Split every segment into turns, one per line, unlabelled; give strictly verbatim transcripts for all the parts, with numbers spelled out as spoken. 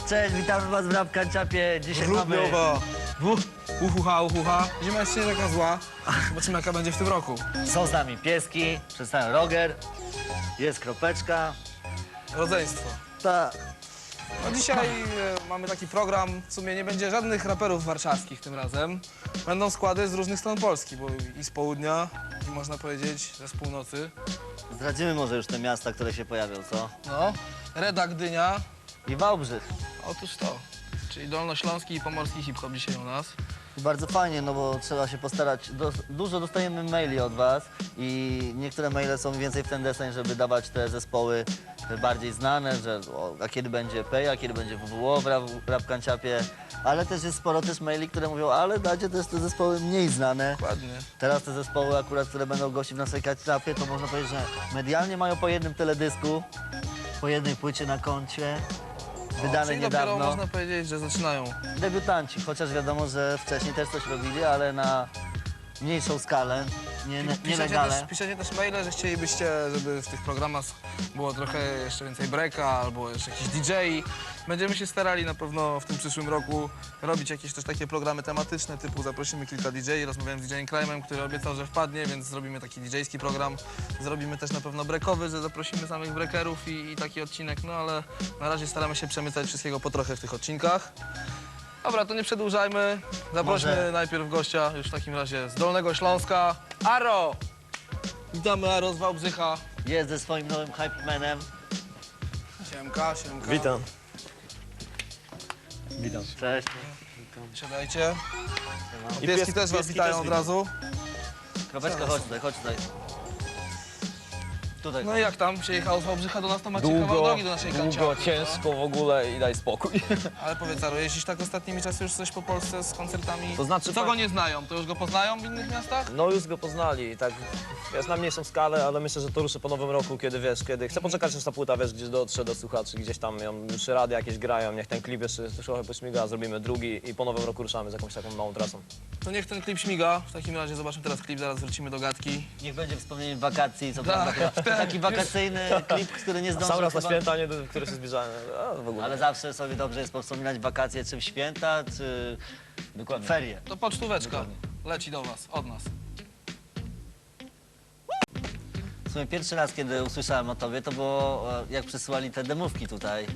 Cześć, witamy was w Rap Kanciapie. Dzisiaj mamy...
Rudniowa. Uhuha, uhuha. Zima jest nie taka zła. Zobaczymy, jaka będzie w tym roku.
Są z nami pieski, przedstawiam Roger, jest Kropeczka.
Rodzeństwo.
Tak.
No dzisiaj e, mamy taki program, w sumie nie będzie żadnych raperów warszawskich tym razem. Będą składy z różnych stron Polski, bo i z południa, i można powiedzieć, że z północy.
Zdradzimy może już te miasta, które się pojawią, co?
No, Reda, Gdynia.
I Wałbrzych.
Otóż to, czyli dolnośląski i pomorski hip-hop dzisiaj u nas.
I bardzo fajnie, no bo trzeba się postarać. Do, dużo dostajemy maili od was i niektóre maile są więcej w ten deseń, żeby dawać te zespoły bardziej znane, że o, a kiedy będzie Pej, a kiedy będzie W W O w Rap, Rap Kanciapie, ale też jest sporo też maili, które mówią, ale dacie też te zespoły mniej znane.
Dokładnie.
Teraz te zespoły akurat, które będą gościć w naszej Kanciapie, to można powiedzieć, że medialnie mają po jednym teledysku, po jednej płycie na koncie, wydane
Czyli
niedawno.
dopiero można powiedzieć, że zaczynają.
Debiutanci, chociaż wiadomo, że wcześniej też coś robili, ale na mniejszą skalę, nie, nie,
Piszecie
nielegalne.
też, piszecie też maile, że chcielibyście, żeby w tych programach było trochę jeszcze więcej breaka albo jeszcze jakiś D J. Będziemy się starali na pewno w tym przyszłym roku robić jakieś też takie programy tematyczne, typu zaprosimy kilka D J, rozmawiałem z D J-em Crime'em, który obiecał, że wpadnie, więc zrobimy taki D J-ski program. Zrobimy też na pewno breakowy, że zaprosimy samych breakerów i, i taki odcinek, no ale na razie staramy się przemycać wszystkiego po trochę w tych odcinkach. Dobra, to nie przedłużajmy. Zaprośmy
Może-
najpierw gościa już w takim razie z Dolnego Śląska. Aro! Witamy Aro z Wałbrzycha.
Jest ze swoim nowym hype manem.
Siemka, siemka.
Witam.
Witam. Cześć.
Siadajcie.
I
Pieski
pies-
też was
pieski
witają
też
od razu.
Kropeczka, chodź tutaj, chodź tutaj. Tutaj.
No i jak tam się jechało z Wałbrzycha do nas, to macie kawał
Długo,
drogi do naszej
długo,
kanciapy,
ciężko w ogóle i daj spokój.
no. Ale powiedz Aro, jeździsz tak ostatnimi czasy już coś po Polsce z koncertami?
To znaczy,
Co
pa-
go nie znają? To już go poznają w innych miastach?
No już go poznali, tak jest na mniejszą skalę, ale myślę, że to ruszy po nowym roku, kiedy wiesz, kiedy chcę poczekać, aż ta płyta, wiesz, gdzieś dotrze do słuchaczy, gdzieś tam ją, już rady jakieś grają, niech ten klip jeszcze trochę pośmiga, zrobimy drugi i po nowym roku ruszamy z jakąś taką małą trasą.
To niech ten klip śmiga. W takim razie zobaczmy teraz klip, zaraz wrócimy do gadki.
Niech będzie wspomnieniem wakacji, co
Tak,
prawda.
tak.
Taki wakacyjny klip, który nie zdążył
Sam raz na
chyba-
święta, nie, do- które się zbliżają, a, w ogóle.
Ale zawsze sobie dobrze jest wspominać wakacje, czy w święta, czy
Dokładnie.
ferie.
To pocztóweczka leci do was, od nas.
W sumie pierwszy raz, kiedy usłyszałem o tobie, to było e, jak przesyłali te demówki tutaj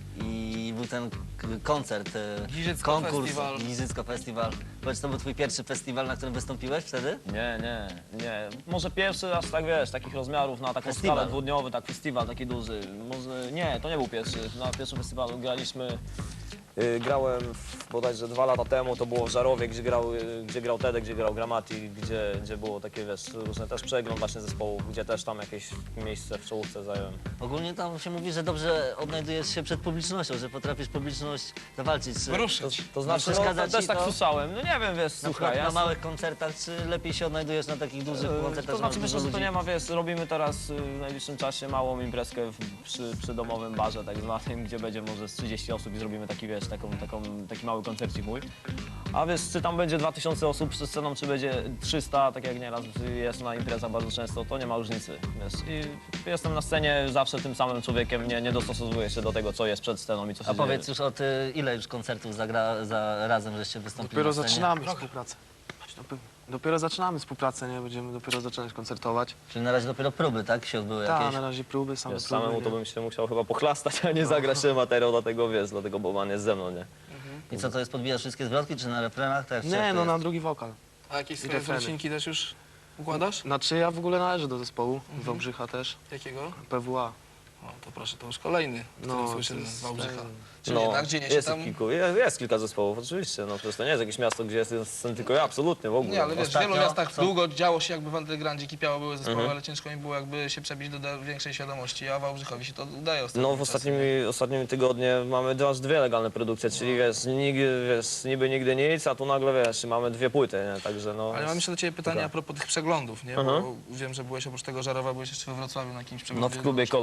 i był ten k- koncert, e,
Giżycko
konkurs,
Festiwal.
Giżycko Festiwal. Powiedz, to był twój pierwszy festiwal, na którym wystąpiłeś wtedy?
Nie, nie, nie. Może pierwszy raz, tak wiesz, takich rozmiarów na taką
Festiwal.
skalę dwudniowy, tak festiwal taki duży. Może nie, to nie był pierwszy. Na pierwszym festiwalu graliśmy, y, grałem w, bodajże dwa lata temu, to było w Żarowie, gdzie grał, y, gdzie grał Tedek, gdzie grał Gramatik, gdzie, gdzie było takie, wiesz, różne też przegląd właśnie zespołów, gdzie też tam jakieś miejsce w czołówce zająłem.
Ogólnie tam się mówi, że dobrze odnajdujesz się przed publicznością, że potrafisz publiczność zawalczyć. Czy
To,
Ruszyć.
to znaczy, no,
przeszkadza
to też
ci
tak
to?
słyszałem. No nie wiem, wiesz,
na,
słuchaj,
przykład
ja
na małych koncertach, czy lepiej się odnajdujesz na takich dużych
Yy,
koncertach?
To
że
znaczy
masz
myślę,
dużo
że to
ludzi?
nie ma, wiesz, robimy teraz y, w najbliższym czasie małą imprezkę w, przy, przy domowym barze tak zwanym, gdzie będzie może z trzydzieści osób i zrobimy taki, wiesz, taką, taką, taki mały koncercik mój. A wiesz, czy tam będzie dwa tysiące osób przed sceną, czy będzie trzysta, tak jak nieraz jest na imprezach bardzo często, to nie ma różnicy, wiesz. I jestem na scenie zawsze tym samym człowiekiem, nie, nie dostosowuję się do tego, co jest przed sceną i co się
A
dzieje.
powiedz już od y, ile już koncertów zagra, za razem, żeście wystąpili
Dopiero
na scenie?
zaczynamy współpracę. Chodź, dopi- Dopiero zaczynamy współpracę, nie? Będziemy dopiero zaczynać koncertować.
Czyli na razie dopiero próby, tak? Się odbyły
Tak,
jakieś?
na razie próby, same
Wiesz,
próby.
samemu
nie?
to bym się musiał chyba pochlastać, a nie zagrać ten materiał, dlatego wiesz, dlatego Boban jest ze mną, nie?
I co, to jest, podbijasz wszystkie zwrotki, czy na refrenach? Tak, jak
Nie,
to
no na
jest?
drugi wokal.
A jakieś swoje
refreny.
wyrocinki też już układasz?
Znaczy ja w ogóle należę do zespołu,
Mhm.
Wałbrzycha też,
Jakiego?
P W A.
O, to proszę, to już kolejny, który
No,
słyszymy
to jest-
z Wałbrzycha.
tak.
Czyli jednak dzieje się
jest,
tam...
kilku, jest, jest kilka zespołów, oczywiście, no przecież to nie jest jakieś miasto, gdzie jest scen tylko ja, absolutnie, w ogóle.
Nie, ale wiesz, w
Ostatnio
wielu miastach
co?
długo działo się jakby w undergroundzie, kipiało, były zespoły,
Mhm.
ale ciężko mi było jakby się przebić do da- większej świadomości, a Wałbrzychowi się to udaje ostatnimi
No w ostatnimi, ostatnimi tygodnie mamy aż dwie legalne produkcje, czyli wiesz, nigdy, wiesz, niby nigdy nic, a tu nagle wiesz, mamy dwie płyty, nie? Także no...
Ale mam jeszcze do ciebie pytanie
Dobra.
a propos tych przeglądów, nie? Bo
Mhm.
wiem, że byłeś oprócz tego Żarowa, byłeś jeszcze we Wrocławiu na jakimś
No
przeglądzie.
w klubie Kolor,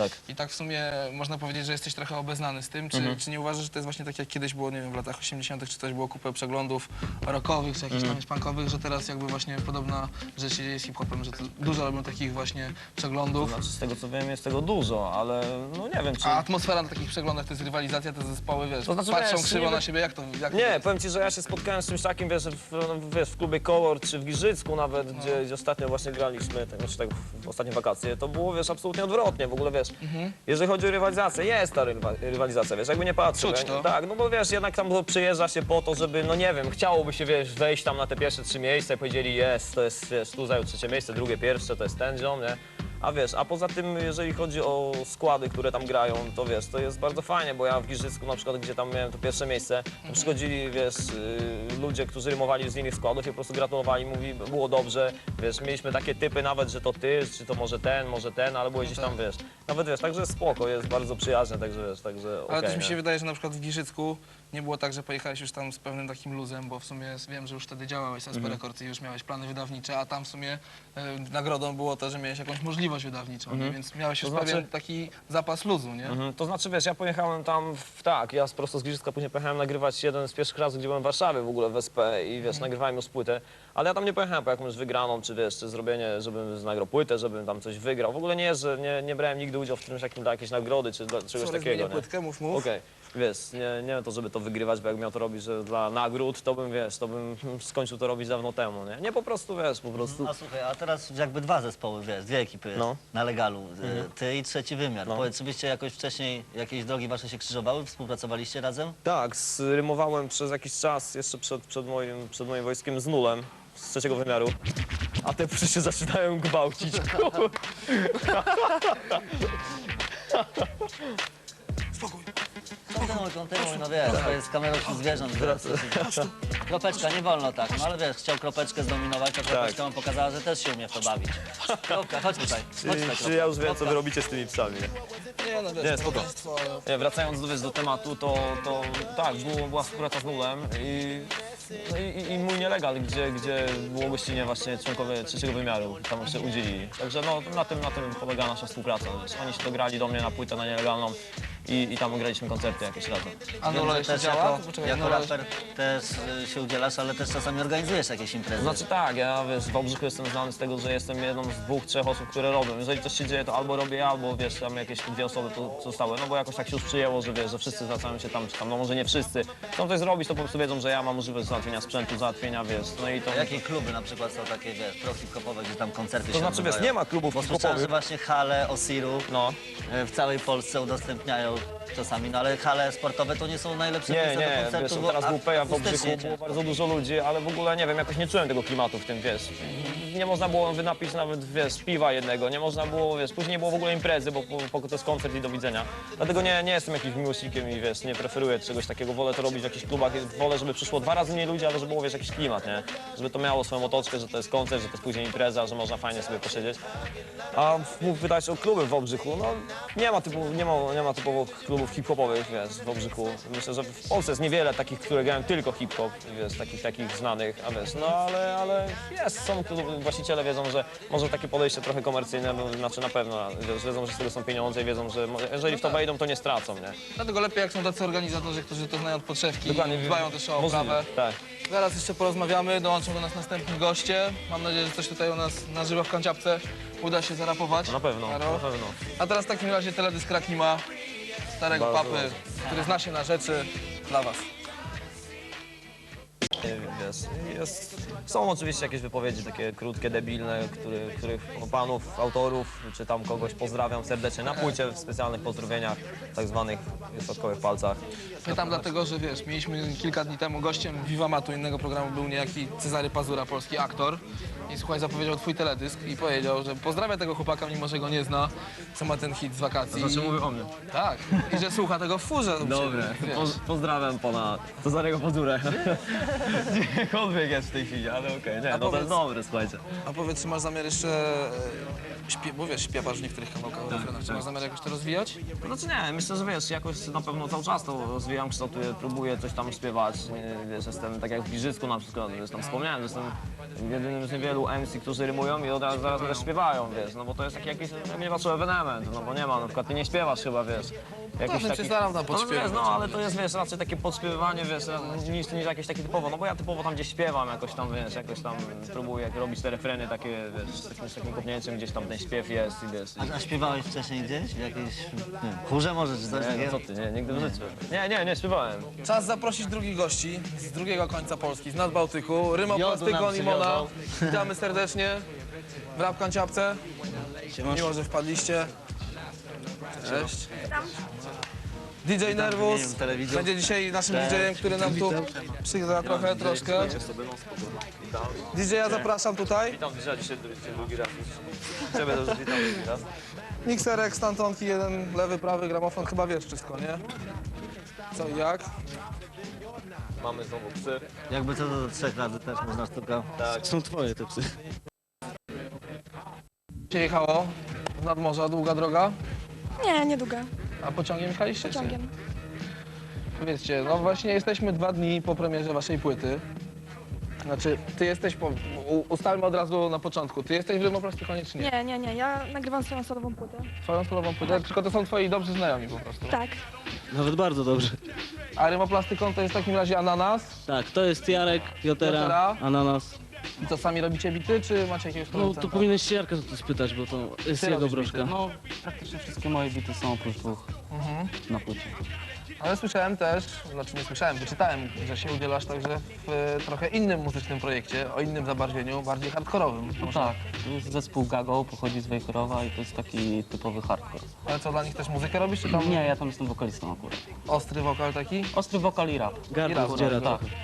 Tak.
I tak w sumie można powiedzieć, że jesteś trochę obeznany z tym. Czy,
Mhm.
czy nie uważasz, że to jest właśnie tak jak kiedyś było, nie wiem, w latach osiemdziesiątych, czy też było kupę przeglądów rockowych, czy jakichś tam punkowych, że teraz jakby właśnie podobna rzecz się dzieje z hip-hopem, że to dużo robią takich właśnie
To
przeglądów.
znaczy, z tego co wiem, jest tego dużo, ale no nie wiem, czy...
A atmosfera na takich przeglądach to jest rywalizacja, te zespoły, wiesz,
To znaczy,
patrzą
wiesz,
krzywo
niby-
na siebie, jak to jak to
Nie,
jest?
powiem ci, że ja się spotkałem z czymś takim, wiesz, w, w- wiesz, w klubie Kolor czy w Giżycku nawet, gdzie, gdzie ostatnio właśnie graliśmy, tak, znaczy tak w ostatnie wakacje, to było, wiesz, absolutnie odwrotnie, w ogóle, wiesz, jeżeli chodzi o rywalizację, jest ta rywa, rywalizacja, wiesz, jakby nie patrzę.
Czuć
ja-
to.
Tak, no bo wiesz, jednak tam przyjeżdża się po to, żeby, no nie wiem, chciałoby się, wiesz, wejść tam na te pierwsze trzy miejsca i powiedzieli, jest, to jest, wiesz, tu zajął trzecie miejsce, drugie pierwsze, to jest ten ziom, nie? A wiesz, a poza tym, jeżeli chodzi o składy, które tam grają, to wiesz, to jest bardzo fajnie, bo ja w Giżycku na przykład, gdzie tam miałem to pierwsze miejsce, to przychodzili, wiesz, y, ludzie, którzy rymowali z innych składów i po prostu gratulowali, mówi, było dobrze, wiesz, mieliśmy takie typy nawet, że to ty, czy to może ten, może ten, ale było gdzieś tam, wiesz, nawet wiesz, także spoko, jest bardzo przyjazne, także wiesz, także
Ale
okej,
też mi się
nie?
wydaje, że na przykład w Giżycku nie było tak, że pojechałeś już tam z pewnym takim luzem, bo w sumie wiem, że już wtedy działałeś z S P
Mhm.
Records i już miałeś plany wydawnicze, a tam w sumie e, nagrodą było to, że miałeś jakąś możliwość wydawniczą, nie? Więc miałeś już
Mhm. To znaczy-
pewien taki zapas luzu, nie?
Mhm, to znaczy, wiesz, ja pojechałem tam, w, tak, ja prosto z Giżycka później pojechałem nagrywać jeden z pierwszych razów, gdzie byłem w Warszawie w ogóle w S P i wiesz, nagrywałem już płytę, ale ja tam nie pojechałem po jakąś wygraną, czy wiesz, czy zrobienie, żebym nagrał płytę, żebym tam coś wygrał. W ogóle nie, że nie, nie brałem nigdy udziału w czymś takim dla jakiejś nagrody, czy dla czegoś
Sorry,
takiego,
zmienię
nie?
płytkę, mów, mów.
Okej, wiesz, nie, nie to, żeby to wygrywać, bo jak miał to robić, że dla nagród, to bym, wiesz, to bym skończył to robić dawno temu, nie? Nie, po prostu, wiesz, po prostu...
A słuchaj, a teraz jakby dwa zespoły, wiesz, dwie ekipy
No.
na legalu, y, ty i trzeci wymiar.
No.
Powiedz, czy byście jakoś wcześniej, jakieś drogi wasze się krzyżowały, współpracowaliście razem?
Tak, rymowałem przez jakiś czas, jeszcze przed, przed, moim, przed moim wojskiem z Nulem, z trzeciego wymiaru. A te psy się zaczynają gwałcić. kur-
Spokój.
Kontynuuj, kontynuuj, no wiesz, to jest kamerą wśród zwierząt. Wiesz, to się- Kropeczka, nie wolno tak, no ale wiesz, chciał kropeczkę zdominować, to kropeczka mu pokazała, że też się umie w to bawić. Kropka, chodź tutaj, chodź tutaj,
Czy,
kropka.
czy ja już wiem, co
Kropka.
wy robicie z tymi psami, nie?
Nie, no wiesz,
Nie,
to
spoko.
towarzystwo, ale-
Nie, wracając do, wiesz, do tematu, to, to tak, było, była współpraca z Nulem i, no i, i mój nielegal, gdzie, gdzie było gościnnie właśnie członkowie trzeciego wymiaru, tam się udzielili. Także no, na tym, na tym polega nasza współpraca. Wiesz. Oni się dograli do mnie na płytę na nielegalną i, i tam graliśmy koncerty jakieś razem.
A
Wiem,
Nolo
że
jeszcze
też
działa?
jako,
To poczekaj,
jako
Nolo-
raper też y, się udzielasz, ale też czasami organizujesz jakieś imprezy.
Znaczy tak, ja wiesz, w Wałbrzychu jestem znany z tego, że jestem jedną z dwóch, trzech osób, które robią. Jeżeli coś się dzieje, to albo robię ja, albo wiesz, tam jakieś dwie osoby tu zostały. No bo jakoś tak się już przyjęło, że wiesz, że wszyscy zwracają się tam, czy tam, no może nie wszyscy. Chcą coś zrobić, to po prostu wiedzą, że ja mam możliwość załatwienia sprzętu, załatwienia, wiesz, no i to...
A jakie kluby na przykład są takie, wiesz, pro-hip-hopowe, gdzie tam koncerty
To
się
znaczy, wiesz,
odbywają?
nie ma klubów
Bo słyszałem, że
hip-hopowych.
właśnie hale Osiru
No.
y, w całej Polsce udostępniają czasami, no ale hale sportowe to nie są najlepsze
Nie,
miejsca do
nie,
koncertu,
wiesz,
bo
teraz
a-
był Peja w
akustycznie
Wałbrzychu, było bardzo dużo ludzi, ale w ogóle, nie wiem, jakoś nie czułem tego klimatu w tym, wiesz. Nie można było wynapić nawet, wiesz, piwa jednego, nie można było, wiesz, później nie było w ogóle imprezy, bo, bo, bo to jest koncert i do widzenia. Dlatego nie, nie jestem jakimś miłośnikiem i, wiesz, nie preferuję czegoś takiego, wolę to robić w jakichś klubach, wolę, żeby przyszło dwa razy mniej ludzi, ale żeby było, wiesz, jakiś klimat, nie? Żeby to miało swoją otoczkę, że to jest koncert, że to jest później impreza, że można fajnie sobie posiedzieć. A mów pytać o kluby w Wałbrzychu, no nie ma, typu, nie ma, nie ma typowo klubów hip-hopowych, wiesz, w Wałbrzychu. Myślę, że w Polsce jest niewiele takich, które grają tylko hip-hop, wiesz, takich, takich znanych, a wiesz, no ale, ale jest, są kluby, właściciele wiedzą, że może takie podejście trochę komercyjne, bo, znaczy na pewno, wiesz, wiedzą, że z tego są pieniądze i wiedzą, że mo- jeżeli w to wejdą, to nie stracą, nie?
Dlatego lepiej jak są tacy organizatorzy, którzy to znają od podszewki
Dokładnie,
i dbają też o
możliwe,
oprawę.
tak.
Zaraz jeszcze porozmawiamy, dołączą do nas następni goście. Mam nadzieję, że coś tutaj u nas na żywo w kanciapce uda się zarapować.
Na pewno,
Karo.
na pewno.
A teraz w takim razie teledysk Rakima, starego
Bardzo
papy, który zna się na rzeczy, dla was.
Wiesz, jest, są oczywiście jakieś wypowiedzi takie krótkie, debilne, który, których panów, autorów, czy tam kogoś pozdrawiam serdecznie na płycie w specjalnych pozdrowieniach, tak zwanych środkowych palcach.
Pytam dlatego, że wiesz, mieliśmy kilka dni temu gościem Vivamatu, innego programu był niejaki Cezary Pazura, polski aktor. I słuchaj, zapowiedział twój teledysk i powiedział, że pozdrawia tego chłopaka, mimo że go nie zna, co ma ten hit z wakacji.
mówię o mnie.
Tak, i że słucha tego w furze. u
Dobre,
siebie, wiesz.
Poz, pozdrawiam pana Cezarego Pazurę. Gdziekolwiek jest w tej chwili, ale okej, nie,
A
no to
powiedz-
jest dobre, słuchajcie.
A powiedz, czy masz zamiar jeszcze... e, Śpie, bo wiesz, śpiewasz w niektórych kawałkach, refrenach. Czy masz zamiar jakoś to rozwijać?
No znaczy nie, myślę, że wiesz, jakoś na pewno cały czas to rozwijam, kształtuję, próbuję coś tam śpiewać. Nie, wiesz, jestem tak jak w Giżycku na przykład, wiesz, tam wspomniałem, że jestem jedynym z niewielu M C, którzy rymują i od razu zaraz też śpiewają, wiesz, no bo to jest taki jakiś, ja mnie patrzę, ewenement, no bo nie ma, na przykład ty nie śpiewasz chyba, wiesz. Jakiś
bym cię starał na
no,
podśpiewać.
wiesz, no ale to jest, wiesz, raczej takie podśpiewywanie, wiesz, niż, niż jakieś takie typowo, no bo ja typowo tam gdzieś śpiewam jakoś tam, wiesz, jakoś tam próbuję robić te refreny takie, wiesz, z takim, z takim kopnięciem, gdzieś tam ten śpiew jest i wiesz.
A, a śpiewałeś wcześniej gdzieś? W jakiejś nie wiem, chórze może czy coś
Nie,
takiego?
no co ty, nie, nigdy w życiu. Nie, nie, nie, śpiewałem.
Czas zaprosić drugich gości z drugiego końca Polski, z Nadbałtyku.
Jodu
Rymoplastyko,
nam
Limona.
przywiozą.
Witamy serdecznie. W Rap Kanciapce. Miło, że wpadliście. Cześć. D J Nervus
imieniu telewidzów.
będzie dzisiaj naszym
Cześć.
D J-em, który nam tu przygra trochę, troszkę. D J ja zapraszam tutaj.
Witam dzisiaj, dzisiaj drugi raz. Ciebie też witam drugi raz.
Mikserek, stantonki, jeden lewy, prawy, gramofon. Chyba wiesz wszystko, nie? Co i jak?
Mamy znowu psy.
Jakby co do trzech razy też można sztuka.
Tak.
Są twoje te psy.
Się jechało z nadmorza, długa droga.
Nie, niedługo.
A pociągiem jechaliście? czy nie?
Pociągiem.
Powiedzcie, no właśnie jesteśmy dwa dni po premierze waszej płyty. Znaczy, ty jesteś po... u- Ustalmy od razu na początku. Ty jesteś w Rymoplastykonie czy nie?
Nie, nie, nie. Ja nagrywam swoją solową płytę.
Twoją solową płytę, tylko to są twoi dobrzy znajomi po prostu.
Tak.
Nawet bardzo dobrze.
A Rymoplastykon to jest w takim razie Ananas.
Tak, to jest Jarek, Jotera,
Jotera.
Ananas.
I co, sami robicie bity, czy macie jakiegoś
No
producenta?
to powinieneś się Jarka to spytać, bo to jest
Ty
jego
robisz
broszka.
bity.
No,
Praktycznie wszystkie moje bity są oprócz dwóch
Mhm.
na płycie.
Ale słyszałem też, znaczy nie słyszałem, wyczytałem, że się udzielasz także w e, trochę innym muzycznym projekcie, o innym zabarwieniu, bardziej hardkorowym.
No tak, to jest zespół Gago, pochodzi z Wejherowa i to jest taki typowy hardcore.
Ale co, dla nich też muzykę robisz, czy tam
Nie, ja tam jestem wokalistą akurat.
ostry wokal taki?
Ostry wokal i rap.
gardło
Akurat,
zdziera
tak.
trochę.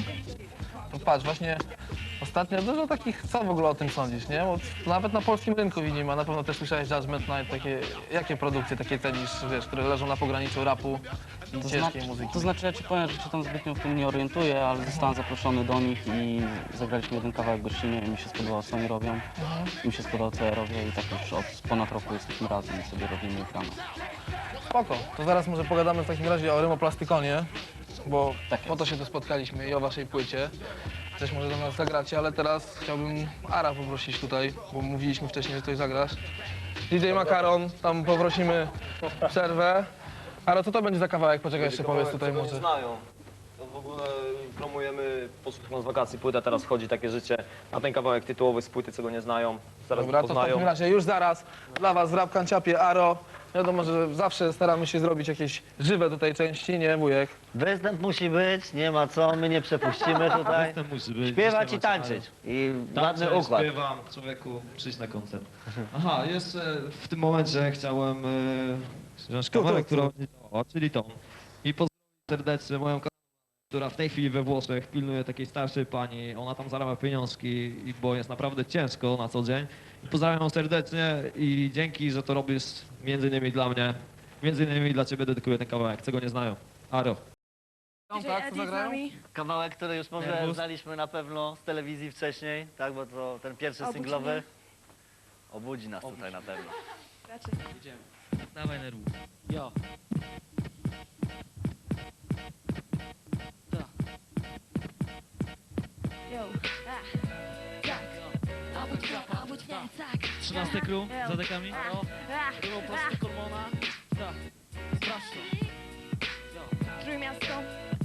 No patrz, właśnie ostatnio dużo takich, co w ogóle o tym sądzisz, nie? Bo to nawet na polskim rynku widzimy, a na pewno też słyszałeś Judgment Night, takie, jakie produkcje takie cenisz, wiesz, które leżą na pograniczu rapu i
To,
ciężkiej
zna-
muzyki?
to znaczy, ja ci powiem, że się tam zbytnio w tym nie orientuję, ale zostałem zaproszony do nich i zagraliśmy jeden kawałek gościnnie i mi się spodobało, co oni robią. Mi się spodobało, co ja robię i tak już od ponad roku jesteśmy razem i sobie robimy gramy.
Spoko, to zaraz może pogadamy w takim razie o Rymoplastykonie, bo
Tak
po to się tu spotkaliśmy i o waszej płycie. Coś może do nas zagracie, ale teraz chciałbym Ara poprosić tutaj, bo mówiliśmy wcześniej, że coś zagrasz. D J Makaron, tam poprosimy przerwę. Ara, co to będzie za kawałek? Poczekaj, jeszcze powiedz tutaj
Czego
może.
nie znają. To w ogóle promujemy poszło z wakacji płyta, teraz wchodzi takie życie. A ten kawałek tytułowy z płyty, czego nie znają, zaraz
Dobra, to w
poznają.
takim razie już zaraz dla was w Rap Kanciapie Aro. Wiadomo, że zawsze staramy się zrobić jakieś żywe tutaj części, nie wujek?
Występ musi być, nie ma co, my nie przepuścimy tutaj.
Musi być.
Śpiewać i tańczyć. I ładny
Tańczę,
układ.
śpiewam, człowieku, przyjdź na koncert. Aha, jeszcze w tym momencie chciałem e, wziąć kawałek, która nie działała, czyli tą. I pozdrowić serdecznie moją koleżankę, która w tej chwili we Włoszech pilnuje takiej starszej pani. Ona tam zarabia pieniążki, i- bo jest naprawdę ciężko na co dzień. I pozdrawiam ją serdecznie i dzięki, że to robisz między innymi dla mnie. Między innymi dla ciebie dedykuję ten kawałek, czego nie znają. Aro.
Tam tak, co zagrają?
Kawałek, który już może
Nervus.
znaliśmy na pewno z telewizji wcześniej, tak, bo to ten pierwszy
Obudzi
singlowy
mnie.
obudzi nas tutaj na pewno.
Raczej.
Dawaj nerwów. Jo.
Yo.
trzynaste crew
Ja.
za dekami. No.
Ah,
Było prosto hormona. Tak. Sprawdź to.
Trójmiasto.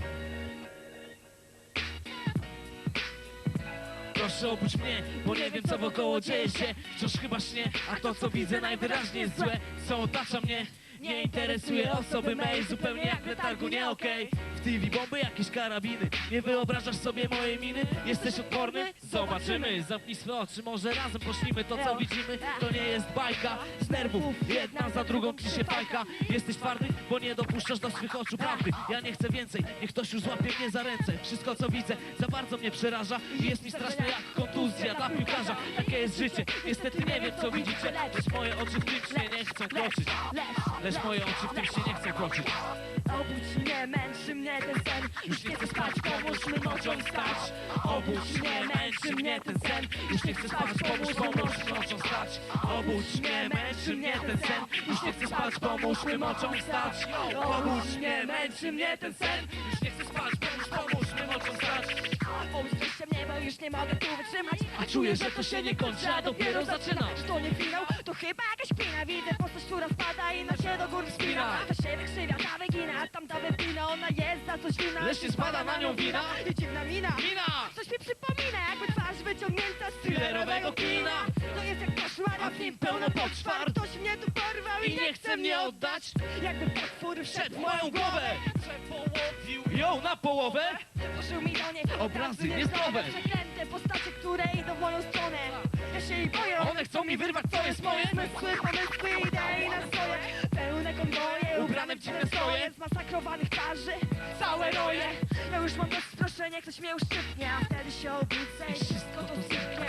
Proszę obudź mnie, bo nie wiem co wokoło dzieje się. Wciąż chyba śnie, a to co widzę najwyraźniej jest złe. Co otacza mnie, nie interesuje osoby mej. Zupełnie jak w letargu, nie okej. W T V bomby, jakieś karabiny. Nie wyobrażasz sobie mojej miny? Jesteś odporny? Zobaczymy. Zamknij swe oczy, może razem pośnimy to co widzimy. To nie jest bajka z nerwów. Jedna za drugą ci się fajka. Jesteś twardy, bo nie dopuszczasz do swych oczu prawdy. Ja nie chcę więcej, niech ktoś już złapie mnie za ręce. Wszystko co widzę za bardzo mnie przeraża i jest mi straszne jak kontuzja dla piłkarza. Takie jest życie, niestety nie wiem co widzicie. Lecz moje oczy w tym śnie nie chcą kroczyć. Lecz moje oczy w tym śnie nie chcą kroczyć.
Obudź mnie, męczy mnie ten sen. Już nie chcę spać, pomóż mi mocą wstać. Obudź mnie, męczy mnie ten sen. Już nie chcę spać, pomóż, pomóż mi mocą wstać. Obudź mnie, męczy mnie ten sen. Już nie chcę spać, pomóż mi mocą wstać. Obudź mnie, męczy mnie ten sen. Już nie chcę spać, pomóż, pomóż mi mocą wstać. Obudźcie mnie, bo już nie mogę tu wytrzymać.
A czuję, że to się nie kończy, a dopiero zaczyna.
Że to nie finał, to chyba jakaś pina. Widzę postać, która spada i na się do góry wspina. Ta się wykrzywia, ta wygina, a tamta wypina. Ona jest za coś wina.
Lecz nie spada na nią wina.
I dziwna mina.
Mina!
Coś mi przypomina, jakby twarz wyciągnięta z
Thrillerowego kina.
To jest jak koszmar,
A w nim pełno poczwar.
Ktoś mnie tu porwał
I nie chce mnie oddać.
Jakby potwór wszedł
Przed moją głowę przepołowił ją na połowę.
Włożył mi do niej
Obrazy niezdrowe.
Przeklęte postacie, które idą w moją stronę. Ja się jej boję.
One chcą mi wyrwać, co jest moje.
Zmysły, pomysły, idei na swoje. Pełne konwoje, ubrane w dziwne stroje. Zmasakrowanych twarzy, całe roje. Ja już mam dość sproszenia, ktoś mnie uszczypnie. A wtedy się obudzę i wszystko to zniknie.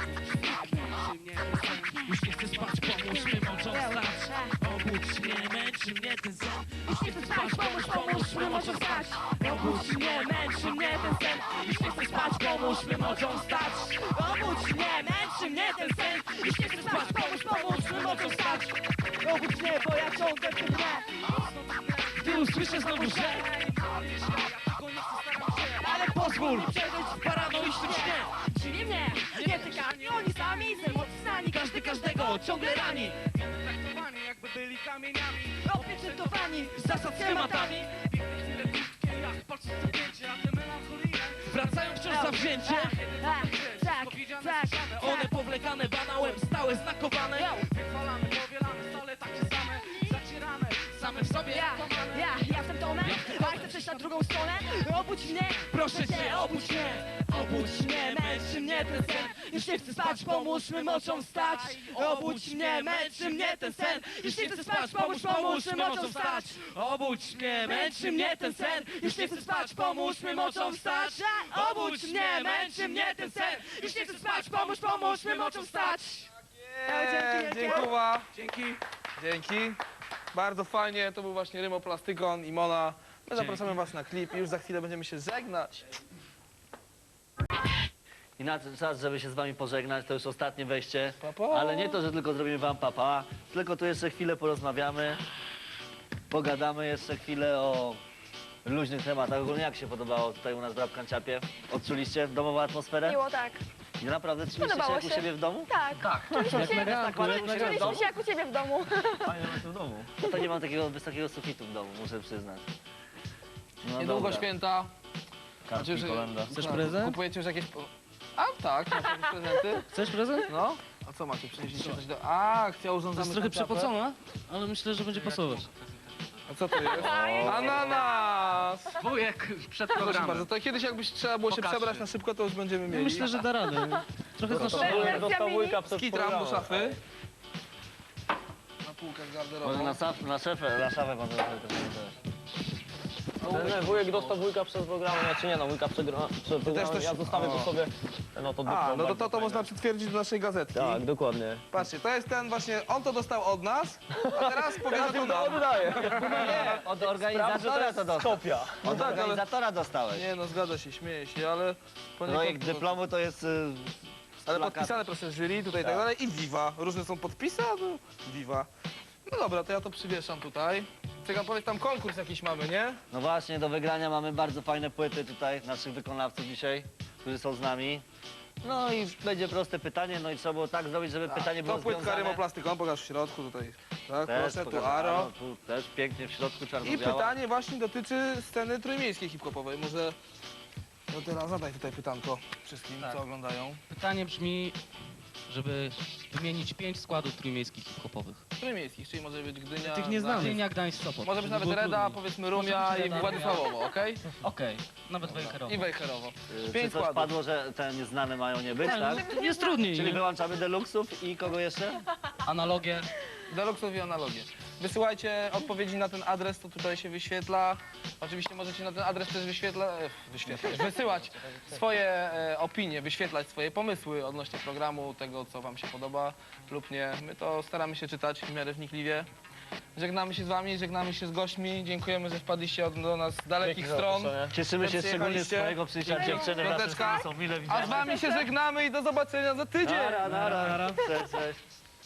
Już nie chcę spać, pomóż mi mocą wstać. Obudź mnie, męczy mnie ten sen. Już nie chcę spać, pomóż, pomóż mi mocą wstać. Obudź mnie, męczy mnie ten sen. Już nie chcę spać, pomóż mi mocą wstać.
Obudź mnie, męczy mnie ten sen. Już nie chcę spać, pomóż, pomóż mi mocą wstać. Obudź mnie, bo ja ciągle w tym tle.
Gdy usłyszę znowu, że ale pozwól
Przeżyć
w paranoicznym śnie.
Czyli mnie, nie tykani, oni sami z emocji znani.
Każdy każdego ciągle rani.
Traktowani jakby byli kamieniami.
Opieczętowani
Zasad schematami
Jak patrzę w zdjęcie, a te melancholijne.
wracają wciąż zawzięcie.
Tak, tak, tak,
One powlekane banałem, stałe znakowane.
Wychwalamy, powielamy, stale takie same. Zacierane,
Same w sobie.
Ja, ja, ja jestem Tomem, a chcę przejść na drugą stronę. Obudź mnie,
Proszę cię, obudź mnie. Obudź mnie, męczy mnie ten sen. Już nie chcę spać, pomóż mi mocą wstać. Obudź mnie, męczy mnie ten sen. Już nie chcę spać, pomóż, pomóż mi mocą wstać. Obudź mnie, męczy mnie ten sen. Już nie chcę spać, pomóż mi mocą wstać. Obudź mnie, męczy mnie ten sen. Już nie chcę spać, pomóż, pomóż mi mocą wstać.
dzięki, dzięki.
Dziękuję. Dzięki. Dzięki. Bardzo fajnie, to był właśnie Rymoplastykon i Mona. My zapraszamy was na klip i już za chwilę będziemy się żegnać.
I nadszedł czas, żeby się z wami pożegnać, to już ostatnie wejście.
Pa, pa.
Ale nie to, że tylko zrobimy wam papa, tylko tu jeszcze chwilę porozmawiamy, pogadamy jeszcze chwilę o luźnych tematach. Ogólnie jak się podobało tutaj u nas w Rap Kanciapie? Odczuliście domową atmosferę?
Miło, tak.
I naprawdę czuliście się
Podobało
jak u
się.
siebie w domu?
Tak, tak. Czuliśmy się, czuliśmy się jak u ciebie w domu.
Fajnie macie w domu. No to nie mam takiego wysokiego sufitu w domu, muszę przyznać. No
Niedługo
dobra.
święta.
Kartki,
Znaczy, że-
kolenda.
Chcesz prezent? Kupujecie już jakieś... po- A tak, macie jakieś prezenty?
Chcesz prezent?
No. A co macie? Przynieśliście coś do... A, chciał urządzamy
Jest trochę
kanciapę.
przepocona, ale myślę, że będzie pasować.
A co to jest? Ananas!
Wujek przed
Proszę bardzo, to kiedyś jakbyś trzeba było się
Pokażcie.
przebrać na szybko, to już będziemy mieli.
Myślę, że da radę. Trochę znoszę.
Dostał wujka przez
Skitram do
programu.
szafy. Na półkę z
Może
garderobą.
na, saf, na szefę, na szafę pan zrobił też.
Ten wujek dostał wujka przez program, znaczy nie no, wujka przez program,
też-
ja zostawię po
o.
sobie no to
A,
dyplom
no to
bardzo
to, to
fajny.
można przytwierdzić do naszej gazetki.
Tak, dokładnie.
Patrzcie, to jest ten właśnie, on to dostał od nas, a teraz powiedział to nam.
oddaję.
Nie, od organizatora to dostał.
Kopia.
Od
tak, ale-
organizatora dostałeś.
Nie no, zgadza się, śmieje się, ale... poniekąd
Projekt
to-
dyplomu to jest... y,
Ale
plakat.
podpisane proszę jury, tutaj i tak
Tak.
dalej i Viva. Różne są podpisy, a to Viva. No dobra, to ja to przywieszam tutaj. Czekam, powiedz, tam konkurs jakiś mamy, nie?
No właśnie, do wygrania mamy bardzo fajne płyty tutaj, naszych wykonawców dzisiaj, którzy są z nami. No i będzie proste pytanie, no i trzeba było tak zrobić, żeby pytanie było
To płytka
związane.
rymoplastyką, pokaż w środku tutaj. Tak,
Też,
proszę, tu
pokażę.
Aro.
No, tu też pięknie w środku
I
czarno-biała.
pytanie właśnie dotyczy sceny trójmiejskiej hip-hopowej. Może... No teraz zadaj tutaj pytanko wszystkim, co oglądają.
Pytanie brzmi, żeby wymienić pięć składów trójmiejskich hip-hopowych.
Trójmiejskich, czyli może być Gdynia...
Tych nieznanych.
Gdynia, Gdańsk, Sopot.
Może być
żeby
nawet
było
Reda,
trudniej.
powiedzmy Rumia
Może być
i
Reda,
Władysławowo, okej?
Okej, nawet Wejherowo.
I Wejherowo.
Y, Czy
Pięć
coś
składów.
padło, że te nieznane mają nie być, tak?
Jest trudniej,
Czyli
nie?
wyłączamy deluxów i kogo jeszcze?
Analogie.
Deluxów i analogie. Wysyłajcie odpowiedzi na ten adres, to tutaj się wyświetla. Oczywiście możecie na ten adres też wyświetla, e, wyświetlać, wysyłać swoje e, opinie, wyświetlać swoje pomysły odnośnie programu, tego co wam się podoba lub nie. My to staramy się czytać w miarę wnikliwie. Żegnamy się z wami, żegnamy się z gośćmi. Dziękujemy, że wpadliście od, do nas z dalekich stron.
Cieszymy się
że
szczególnie z
przyjechaliście.
twojego przyjścia dziewczyny wraz z
Piąteczka.
są mile
A z
widziane.
wami się żegnamy i do zobaczenia za tydzień.
Nara, nara. Cześć, cześć.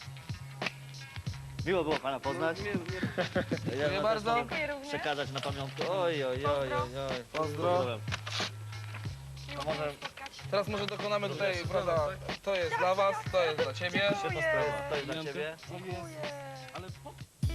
Miło było pana poznać. Ja wam
bardzo.
też mogę przekazać na pamiątkę. Oj, oj, oj, oj, oj.
Pozdro. To może, teraz może dokonamy tutaj, prawda, to jest dla was, to jest dla ciebie.
Świetna sprawa. To jest dla ciebie.
Ale